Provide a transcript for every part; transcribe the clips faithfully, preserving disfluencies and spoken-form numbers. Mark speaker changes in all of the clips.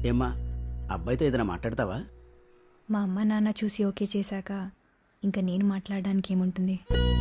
Speaker 1: ఏమ్మా అబ్బాయితో ఏదైనా మాట్లాడతావా?
Speaker 2: మా అమ్మ నాన్న చూసి ఓకే చేశాక ఇంకా నేను మాట్లాడడానికి ఏముంటుంది?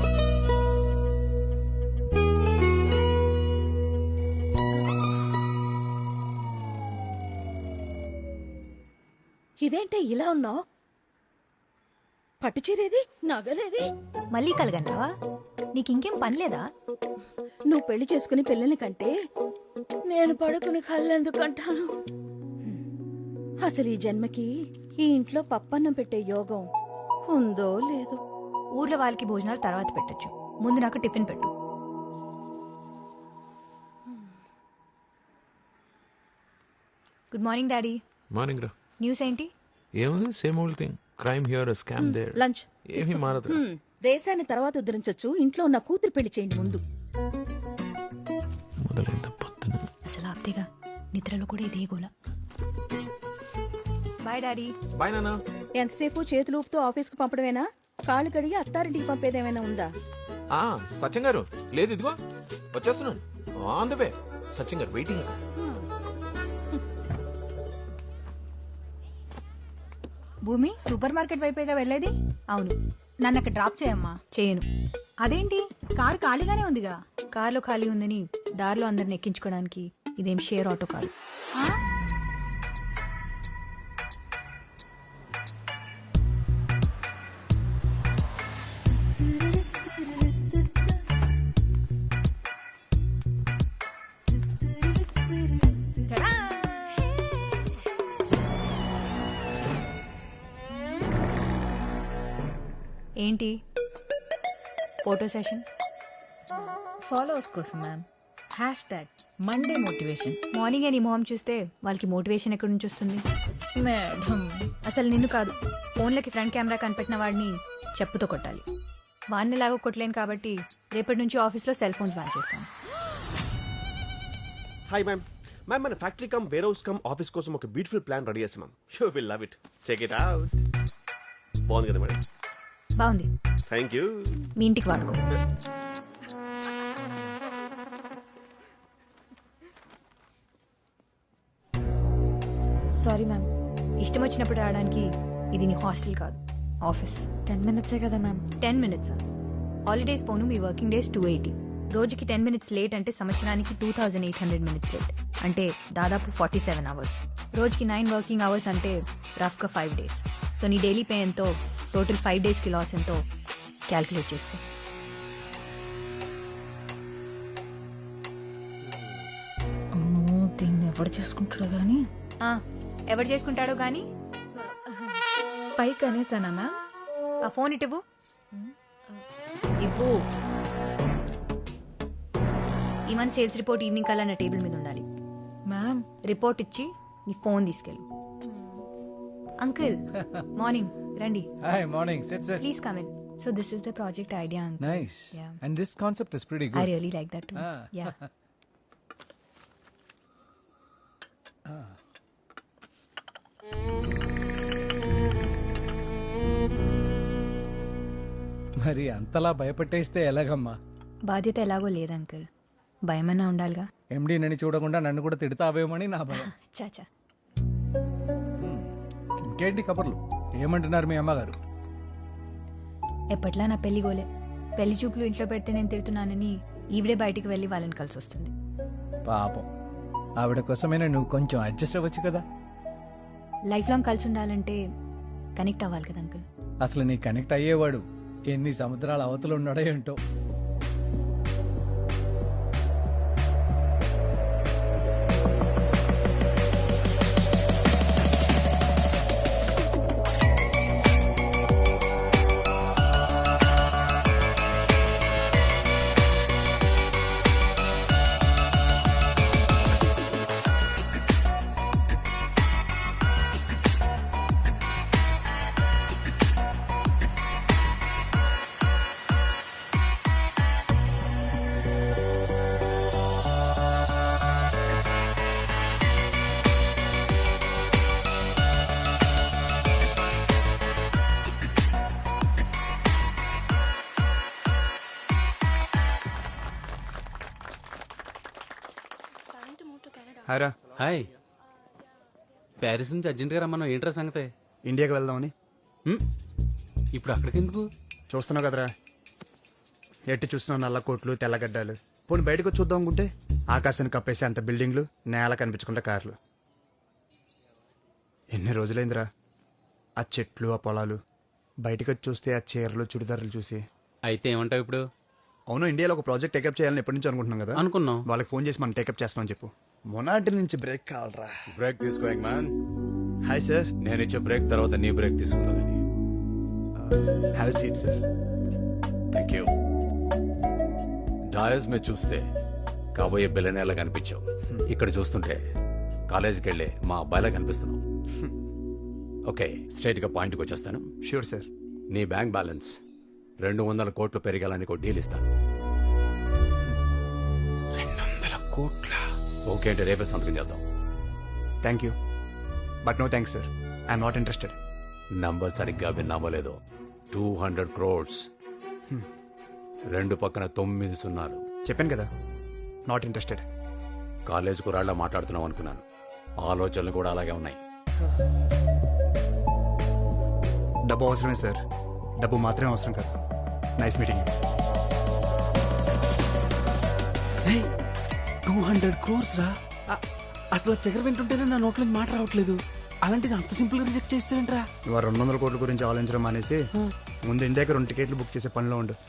Speaker 3: ఇదేంటే ఇలా ఉన్నావు? పట్టుచీరేది, నగలేవి?
Speaker 2: మళ్ళీ కలగన్నావా? నీకింకేం పని లేదా?
Speaker 3: నువ్వు పెళ్లి చేసుకుని పిల్లల్ని కంటే నేను పడుకుని కళ్ళెందుకంటాను? అసలు ఈ జన్మకి ఈ ఇంట్లో పప్పన్నం పెట్టే యోగం ఉందో లేదో.
Speaker 2: ఊర్లో వాళ్ళకి భోజనాలు తర్వాత పెట్టొచ్చు, ముందు నాకు టిఫిన్ పెట్టు. Good morning daddy.
Speaker 4: మార్నింగ్ రా.
Speaker 2: న్యూస్ ఏంటి?
Speaker 4: ఏముంది, same old thing. Crime here, scam there.
Speaker 3: Lunch
Speaker 4: ఏమీ మారదు.
Speaker 3: హ్మ్, దేశాన్ని తర్వాత ఉద్ధరించొచ్చు, ఇంట్లో ఉన్న కూతురు పెళ్లి చేయండి ముందు.
Speaker 4: మొదలైంది పొద్దున.
Speaker 2: అసలు ఆప్తేగా, నిద్రలో కూడా ఇదే గోల. Bye daddy.
Speaker 4: బాయ్ నాన్న.
Speaker 3: ఎంతసేపు చేతులు ఊపుతూ ఆఫీస్ కు పంపడమేనా? కాళ్ళు కడిగి అత్తారింటికి పంపేదేమైనా ఉందా?
Speaker 4: ఆ సత్యం గారు, లేదు ఇదిగో వచ్చేస్తున్నాను. On the way. సత్యం గారు వెయిటింగ్.
Speaker 5: భూమి, సూపర్ మార్కెట్ వైపేగా వెళ్ళేది?
Speaker 2: అవును.
Speaker 5: నన్ను అక్కడ డ్రాప్ చేయమ్మా.
Speaker 2: చేయను.
Speaker 5: అదేంటి, కారు ఖాళీగానే ఉందిగా?
Speaker 2: కార్లో ఖాళీ ఉందని దారిలో అందరిని ఎక్కించుకోవడానికి ఇదేం షేర్ ఆటో కాదు.
Speaker 5: ఆ?
Speaker 2: ఏంటి ఫోటో సెషన్?
Speaker 6: ఫాలోవర్స్ కోసం ma'am. Hashtag Monday motivation.
Speaker 2: Morning నీ మొహం చూస్తే వాళ్ళకి మోటివేషన్ ఎక్కడి నుంచి వస్తుంది?
Speaker 6: మేడం,
Speaker 2: అసలు నిన్ను కాదు, ఫోన్లకి ఫ్రంట్ కెమెరా కనిపెట్టిన వాడిని చెప్పుతో కొట్టాలి. వాడిని లాగా కొట్టలేను కాబట్టి రేపటి నుంచి ఆఫీస్లో సెల్ ఫోన్స్ బ్యాన్ చేస్తాను.
Speaker 7: Hi ma'am. మ్యామ్, మన factory come warehouse come office కోసం ఒక బ్యూటిఫుల్ ప్లాన్ రెడీ చేస్తాం ma'am. You will love it. Check it out. బాగుంది కదా మేడం?
Speaker 2: బాగుంది.
Speaker 7: Thank you.
Speaker 2: మీ ఇంటికి వాడుకో. సారీ మ్యామ్, ఇష్టం వచ్చినప్పుడు రావడానికి ఇది నీ హాస్టల్ కాదు, ఆఫీస్. టెన్ మినిట్సే కదా మ్యామ్. టెన్ మినిట్స్ హాలిడేస్ పోను, మీ వర్కింగ్ డేస్ టూ ఎయిటీ. రోజుకి టెన్ మినిట్స్ లేట్ అంటే సంవత్సరానికి two thousand eight hundred minutes late, అంటే దాదాపు ఫార్టీ సెవెన్ అవర్స్. రోజుకి నైన్ వర్కింగ్ అవర్స్ అంటే రఫ్గా ఫైవ్ డేస్. సో నీ డైలీ పే ఎంతో, టోటల్ ఫైవ్ డేస్కి లాస్ ఎంతో క్యాల్కులేట్ చేసుకో.
Speaker 6: అమ్మో, దీన్ని ఎవడు చేసుకుంటాడో గానీ.
Speaker 2: ఆ, ఎవరు చేసుకుంటాడో గానీ.
Speaker 6: పైకి అనేసానా మ్యామ్?
Speaker 2: ఆ ఫోన్ ఇటు ఇవ్వు. ఈ మంత్ సేల్స్ రిపోర్ట్ ఈవినింగ్ కల్లా నా టేబుల్ మీద ఉండాలి.
Speaker 6: మ్యామ్,
Speaker 2: రిపోర్ట్ ఇచ్చి నీ ఫోన్ తీసుకెళ్ళు. అంకుల్ మార్నింగ్ రండి.
Speaker 8: Hi, morning. Sit, sit.
Speaker 2: Please come in. So this is the project idea uncle.
Speaker 8: Nice.
Speaker 2: Yeah.
Speaker 8: And this concept is pretty
Speaker 2: I
Speaker 8: good.
Speaker 2: Really like that too.
Speaker 8: Ah.
Speaker 2: Yeah.
Speaker 8: మరి అంతలా భయపెట్టేస్తే ఎలాగమ్మా?
Speaker 2: బాధ్యత ఎలాగో లేదు uncle, భయమన్నా ఉండాలిగా.
Speaker 8: ఎండి నన్ను చూడకుండా నన్ను కూడా తిడతావేమని నా భయం.
Speaker 2: చాచా.
Speaker 8: ఇంకేంటి కబుర్లు? ఏమంటున్నారు మీ అమ్మగారు?
Speaker 2: ఎప్పట్లా నా పెళ్లి గోలే. పెళ్లి చూపులు ఇంట్లో పెడితే నేను తిడుతున్నానని ఈవిడే బయటికి వెళ్ళి వాళ్ళని కలిసి వస్తుంది.
Speaker 8: పాపం, ఆవిడ కోసమైనా నువ్వు కొంచెం అడ్జస్ట్ అవ్వచ్చు కదా.
Speaker 2: లైఫ్ లాంగ్ కలిసి ఉండాలంటే కనెక్ట్ అవ్వాలి కదా అంకుల్.
Speaker 8: అసలు నీ కనెక్ట్ అయ్యేవాడు ఎన్ని సముద్రాల అవతలు ఉన్నాడో ఏంటో.
Speaker 9: హాయ్ రా.
Speaker 1: హాయ్.
Speaker 9: ప్యారిస్ నుంచి అర్జెంట్గా రమ్మన్నావు, ఏంట్రా సంగతే?
Speaker 10: ఇండియాకి వెళ్దామని.
Speaker 9: హ్మ్? ఇప్పుడు అక్కడికి ఎందుకు?
Speaker 10: చూస్తున్నావు కదరా, ఎట్టి చూస్తున్నావు నల్ల కోట్లు తెల్లగడ్డలు. పోనీ బయటకు వచ్చి చూద్దాం అనుకుంటే ఆకాశాన్ని కప్పేసి అంత బిల్డింగ్లు, నేల కనిపించకుండా కార్లు. ఎన్ని రోజులైందిరా ఆ చెట్లు, ఆ పొలాలు. బయటకు వచ్చి చూస్తే ఆ చీరలు, చుడిదారులు చూసి.
Speaker 9: అయితే ఏమంటావు ఇప్పుడు?
Speaker 10: అవును, ఇండియాలో ఒక ప్రాజెక్ట్ టేకప్ చేయాలని ఎప్పటి నుంచి అనుకుంటున్నాం కదా.
Speaker 9: అనుకున్నాం.
Speaker 10: వాళ్ళకి ఫోన్ చేసి మనం టేకప్ చేస్తామని చెప్పు. మొనాటి నుంచి బ్రేక్ కావాలరా.
Speaker 11: బ్రేక్ తీసుకో మ్యాన్.
Speaker 10: Hi sir.
Speaker 11: నేను ఇచ్చే బ్రేక్ తర్వాత నీ బ్రేక్ తీసుకుందా కానీ.
Speaker 10: Have seat sir.
Speaker 11: Thank you. Dais మీద చూస్తే కాబోయే బిల్లనేలా కనిపించావు, ఇక్కడ చూస్తుంటే కాలేజీకి వెళ్ళే మా అబ్బాయిలా కనిపిస్తున్నావు. ఓకే, స్ట్రైట్ గా పాయింట్కి వచ్చేస్తాను.
Speaker 10: Sure sir.
Speaker 11: నీ బ్యాంక్ బ్యాలెన్స్ రెండు వందల కోట్లు పెరిగాలని ఒక డీల్ ఇస్తాను.
Speaker 10: రెండు వందల కోట్ల
Speaker 11: ఓకే అంటే రేపే సంతకం చేద్దాం.
Speaker 10: Thank you but no thanks sir. I'm not interested.
Speaker 11: Number సరిగ్గా విన్నామో లేదో, టూ హండ్రెడ్ క్రోడ్స్. రెండు పక్కన తొమ్మిది సున్నాలు.
Speaker 10: చెప్పాను కదా, నాట్ ఇంట్రెస్టెడ్.
Speaker 11: కాలేజ్ కురాళ్ళ మాట్లాడుతున్నాం అనుకున్నాను, ఆలోచనలు కూడా అలాగే ఉన్నాయి.
Speaker 10: డబ్బు అవసరమే సార్, డబ్బు మాత్రమే అవసరం కాదు. Nice meeting.
Speaker 9: Two hundred crores రా! అ- అసలు ఫిగర్ వింటుంటేనే నా నోట్లో మాట రావట్లేదు. అలాంటిది అంత సింపుల్ గా రిజెక్ట్ చేస్తావేంట్రా?
Speaker 10: ఇవాళ రెండు వందల కోట్ల గురించి ఆలోచించడం మానేసి ముందు ఇండియాకి రెండు టికెట్లు బుక్ చేసే పనిలో ఉండు.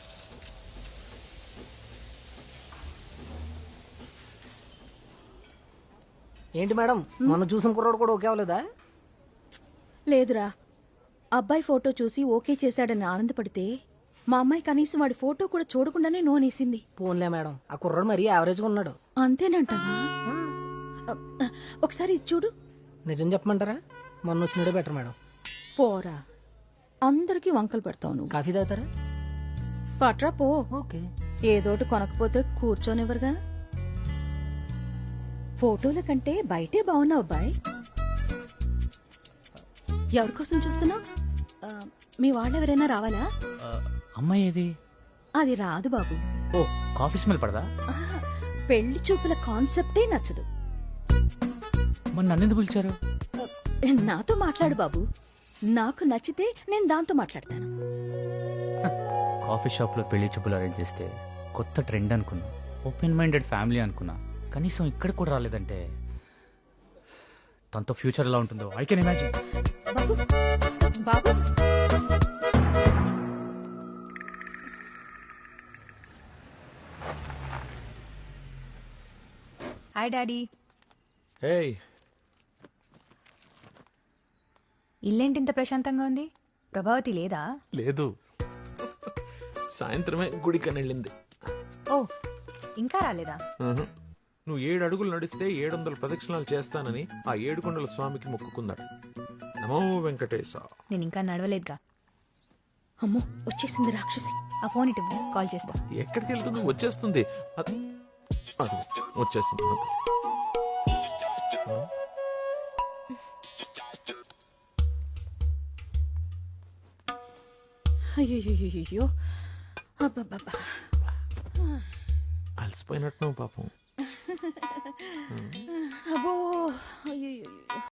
Speaker 12: ఏంటి మేడం, మొన్న చూసిన కుర్రాడు కూడా ఓకే అవ్వలేదా?
Speaker 3: లేదురా, అబ్బాయి ఫోటో చూసి ఓకే చేశాడని ఆనందపడితే మా అమ్మాయి కనీసం వాడి ఫోటో కూడా చూడకుండానే నోనేసింది.
Speaker 12: పోన్లే మేడం, ఆ కుర్రాడు మరీ యావరేజ్ గా ఉన్నాడు.
Speaker 3: అంతేనంటావా? ఒకసారి ఇది చూడు.
Speaker 12: నిజం చెప్పమంటారా, మొన్న వచ్చినడే బెటర్ మేడం.
Speaker 3: పోరా, అందరికీ వంకలు పెడతావు నువ్వు.
Speaker 12: కాఫీ తాగుతారా?
Speaker 3: పట్రా పో.
Speaker 12: ఓకే.
Speaker 3: ఏదోటి కొనకపోతే కూర్చోనివ్వరుగా. ఫోటోల కంటే బయటే బాగున్నావు అబ్బాయి. ఎవరి కోసం చూస్తున్నావు? మీ వాళ్ళెవరైనా రావాలా?
Speaker 9: అమ్మాయి ఏది?
Speaker 3: అది రాదు బాబు.
Speaker 9: ఓ, కాఫీ స్మెల్ పడదా?
Speaker 3: ఆహా, పెళ్లి చూపుల కాన్సెప్టే నచ్చదు.
Speaker 9: మరి నన్నెందుకు పిలిచారు?
Speaker 3: నాతో మాట్లాడు బాబు, నాకు నచ్చితే నేను దాంతో మాట్లాడతాను.
Speaker 13: కాఫీ షాప్లో పెళ్లి చూపులు అరేంజ్ చేస్తే కొత్త ట్రెండ్ అనుకున్నా, ఓపెన్ మైండెడ్ ఫ్యామిలీ అనుకున్నా. కనీసం ఇక్కడ కూడా రాలేదంటే తనతో ఫ్యూచర్ ఎలా ఉంటుందో ఐ కెన్ ఇమాజిన్.
Speaker 3: బాబు బాబు
Speaker 2: హాయ్ డాడీ.
Speaker 4: హే,
Speaker 2: ఇల్లేంటి ఇంత ప్రశాంతంగా ఉంది? ప్రభావతి లేదా?
Speaker 4: లేదు, సాయంత్రమే గుడికని వెళ్ళింది.
Speaker 2: ఓ, ఇంకా రాలేదా?
Speaker 4: ఉహు. నువ్వు ఏడు అడుగులు నడిస్తే ఏడు వందల ప్రదక్షిణాలు చేస్తానని ఆ ఏడుకొండల స్వామికి మొక్కుకున్నాడు. నమో వెంకటేశ.
Speaker 2: నేను ఇంకా నడవలేదుగా.
Speaker 3: అమ్మో, వచ్చేసింది రాక్షసి.
Speaker 2: ఆ ఫోన్ ఇటు ఇవ్వు, కాల్ చేస్తా.
Speaker 4: ఎక్కడికి వెళ్తుంది? వచ్చేస్తుంది. అది అది వచ్చేసింది.
Speaker 3: అయ్యో, అబ్బబ్బబ్బా,
Speaker 4: అలసిపోయినట్టు పాపం.
Speaker 3: అబ్బో, అయ్యో.